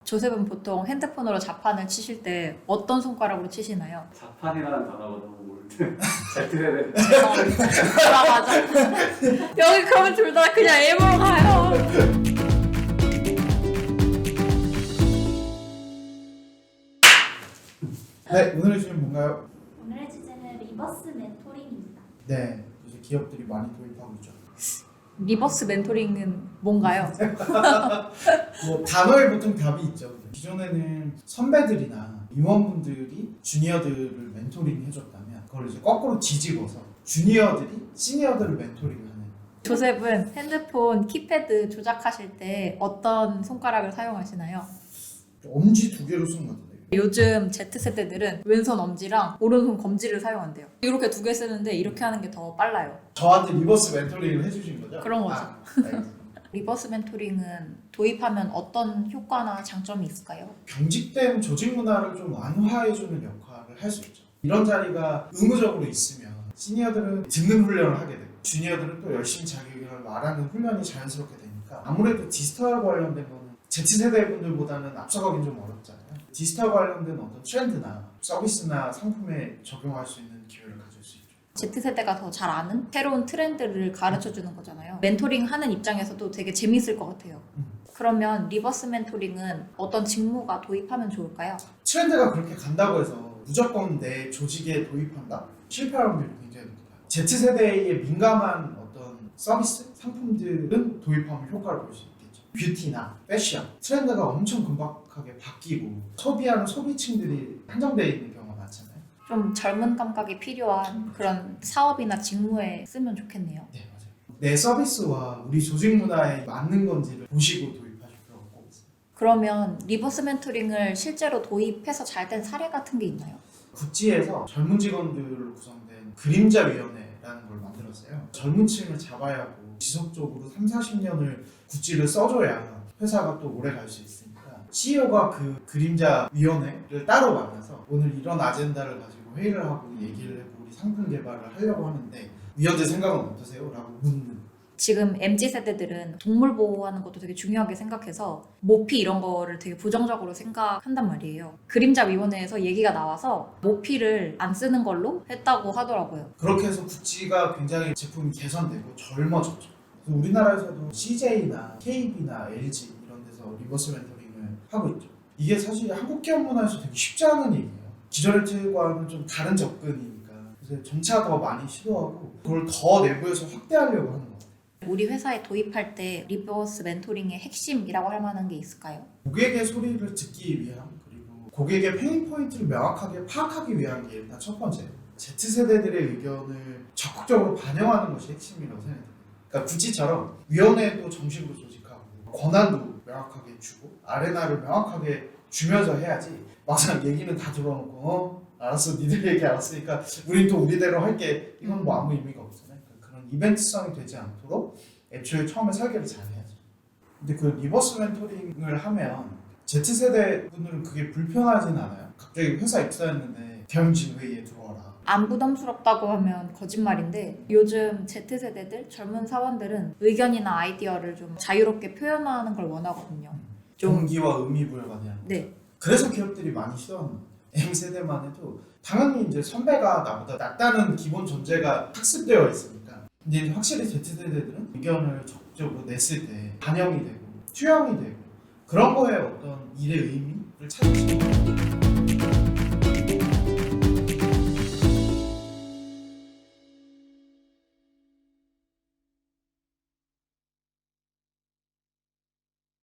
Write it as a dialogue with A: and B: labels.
A: 조셉은 보통 핸드폰으로 자판을 치실 때 어떤 손가락으로 치시나요?
B: 자판이라는 단어가 너무 모를 때 Z세대
A: 아 맞아. 여기 그러면 둘 다 그냥 M으로 가요.
C: 네, 오늘의 주제는 뭔가요?
D: 오늘의 주제는 리버스 멘토링입니다.
C: 네, 이제 기업들이 많이 도입하고 있죠.
A: 리버스 멘토링은 뭔가요?
C: 뭐 단어에 보통 답이 있죠. 기존에는 선배들이나 임원분들이 주니어들을 멘토링 해줬다면 그걸 이제 거꾸로 뒤집어서 주니어들이 시니어들을 멘토링하는.
A: 조셉은 핸드폰 키패드 조작하실 때 어떤 손가락을 사용하시나요?
C: 엄지 두 개로 쓰는 것 같은데.
A: 요즘 Z세대들은 왼손 엄지랑 오른손 검지를 사용한대요. 이렇게 두 개 쓰는데 이렇게 하는 게 더 빨라요.
C: 저한테 리버스 멘토링을 해주신 거죠?
A: 그런 거죠.
C: 알겠습니다.
A: 리버스 멘토링은 도입하면 어떤 효과나 장점이 있을까요?
C: 경직된 조직 문화를 좀 완화해주는 역할을 할 수 있죠. 이런 자리가 의무적으로 있으면 시니어들은 듣는 훈련을 하게 되고 주니어들은 또 열심히 자기 의견을 말하는 훈련이 자연스럽게 되니까 아무래도 디지털 관련된 거는 Z세대 분들보다는 앞서가긴 좀 어렵잖아요. 디지털 관련된 어떤 트렌드나 서비스나 상품에 적용할 수 있는 기회를 가질 수 있죠.
A: Z세대가 더 잘 아는 새로운 트렌드를 가르쳐주는 거잖아요. 멘토링 하는 입장에서도 되게 재밌을 것 같아요. 그러면 리버스 멘토링은 어떤 직무가 도입하면 좋을까요?
C: 트렌드가 그렇게 간다고 해서 무조건 내 조직에 도입한다? 실패할 확률이 굉장히 높아요. Z세대에 민감한 어떤 서비스, 상품들은 도입하면 효과를 볼 수 있겠죠. 뷰티나 패션, 트렌드가 엄청 금박하게 바뀌고 소비하는 소비층들이 한정되어 있는 경우가 많잖아요.
A: 좀 젊은 감각이 필요한 그런 사업이나 직무에 쓰면 좋겠네요.
C: 네, 맞아요. 내 서비스와 우리 조직 문화에 맞는 건지를 보시고 도입하실 필요가 꼭 있어요.
A: 그러면 리버스 멘토링을 실제로 도입해서 잘 된 사례 같은 게 있나요?
C: 구찌에서 젊은 직원들로 구성된 그림자위원회라는 걸 만들었어요. 젊은 층을 잡아야 하고 지속적으로 3, 40년을 구찌를 써줘야 회사가 또 오래 갈 수 있으니까 CEO가 그 그림자위원회를 따로 만나서 오늘 이런 아젠다를 가지고 회의를 하고 얘기를 해보고 우리 상품 개발을 하려고 하는데 위원들 생각은 어떠세요? 라고 묻는.
A: 지금 MZ세대들은 동물 보호하는 것도 되게 중요하게 생각해서 모피 이런 거를 되게 부정적으로 생각한단 말이에요. 그림자위원회에서 얘기가 나와서 모피를 안 쓰는 걸로 했다고 하더라고요.
C: 그렇게 해서 구찌가 굉장히 제품이 개선되고 젊어졌죠. 그래서 우리나라에서도 CJ나 KB나 LG 이런 데서 리버스 멘토링을 하고 있죠. 이게 사실 한국 기업 문화에서 되게 쉽지 않은 얘기예요. 기존의 틀과는 좀 다른 접근이니까 그래서 점차 더 많이 시도하고 그걸 더 내부에서 확대하려고 하는 거예요.
A: 우리 회사에 도입할 때 리버스 멘토링의 핵심이라고 할 만한 게 있을까요?
C: 고객의 소리를 듣기 위한 그리고 고객의 페인 포인트를 명확하게 파악하기 위한 게 일단 첫 번째예요. Z세대들의 의견을 적극적으로 반영하는 것이 핵심이라고 생각합니다. 그러니까 구찌처럼 위원회도 정식으로 조직하고 권한도 명확하게 주고 아레나를 명확하게 주면서 해야지 막상 얘기는 다 들어놓고 알았어 니들 얘기 알았으니까 우린 또 우리대로 할게 이건 뭐 아무 의미가 없잖아요. 그런 이벤트성이 되지 않도록 애초에 처음에 설계를 잘 해야죠. 근데 그 리버스 멘토링을 하면 Z세대 분들은 그게 불편하진 않아요. 갑자기 회사 입사했는데 대형진 회의에 들어와라.
A: 안 부담스럽다고 하면 거짓말인데 요즘 Z세대들 젊은 사원들은 의견이나 아이디어를 좀 자유롭게 표현하는 걸 원하거든요. 좀
C: 동기와 의미부여가 돼야.
A: 네.
C: 그래서 기업들이 많이 시도하는 거예요. M세대만 해도 당연히 이제 선배가 나보다 낫다는 기본 전제가 학습되어 있으니까 근데 확실히 Z세대들은 의견을 적극적으로 냈을 때 반영이 되고 투영이 되고 그런 거에 어떤 일의 의미를 찾으시죠.